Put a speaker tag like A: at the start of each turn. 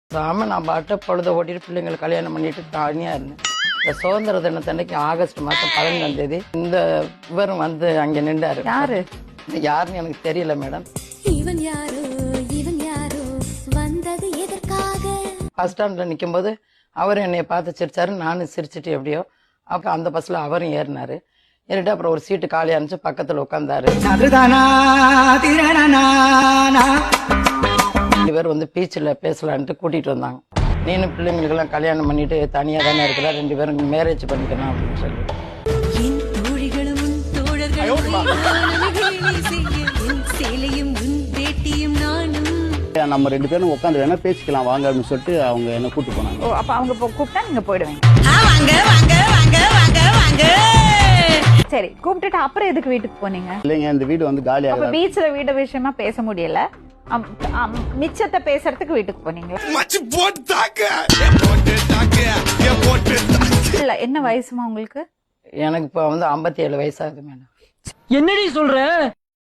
A: சாம நான் பாட்ட பொழுத ஓட்டிட்டு பிள்ளைங்களை கல்யாணம் பண்ணிட்டு தனியா இருந்தேன். இந்த சுதந்திர தினத்தன்னைக்கு ஆகஸ்ட் மாதம் 15ஆம் தேதி இந்த இவரும் வந்து அங்க நின்றாரு.
B: யாரு
A: யாருன்னு எனக்கு தெரியல மேடம்.
C: இவன் யாரோ வந்தது எதற்காக?
A: பஸ் ஸ்டாண்ட்ல நிக்கும் போது அவரும் என்னைய பார்த்து சிரிச்சாரு, நானும் சிரிச்சுட்டு எப்படியோ. அப்ப அந்த பஸ்ல அவரும் ஏறினாரு. ஏறிட்டு அப்புறம் ஒரு சீட்டு காலியா இருந்துச்சு, பக்கத்துல உட்கார்ந்தாரு. 2 பேர் வந்து பீச்சில் பேசலான்ட்டு கூட்டிட்டு வந்தாங்க. நீனும் பிள்ளைங்களுக்கெல்லாம் கல்யாணம் பண்ணிட்டு தனியா தானே இருக்கிறா, 2 பேரும் மேரேஜ் பண்ணிக்கணும் அப்படின்னு சொல்லி.
C: என் தோழிகளும் உன் தோழர்களும் என் சேலையும் உன் வேட்டியும் நானும்.
D: நம்ம 2 பேரும் உட்காந்து வேணா பேசிக்கலாம் வாங்க அப்படின்னு சொல்லிட்டு அவங்க என்ன கூட்டு போனாங்க.
B: ஓ, அப்ப அவங்க கூப்பிட்டா நீங்க போயிடுவீங்க.
C: வாங்க வாங்க வாங்க வாங்க வாங்க.
B: சரி, கூப்பிட்டுட்டு அப்புறம் எதுக்கு வீட்டுக்கு போனீங்க?
D: இல்லைங்க, இந்த வீடு வந்து
B: அப்ப
D: காலியாக
B: பீச்ல வீடு விஷயமா பேச முடியல, மிச்சத்தை பேசுறதுக்கு வீட்டுக்கு போனீங்களா? இல்ல, என்ன வயசுமா உங்களுக்கு?
A: எனக்கு இப்போ வந்து 57 வயசாகுது மேடம்.
E: என்னடி சொல்ற?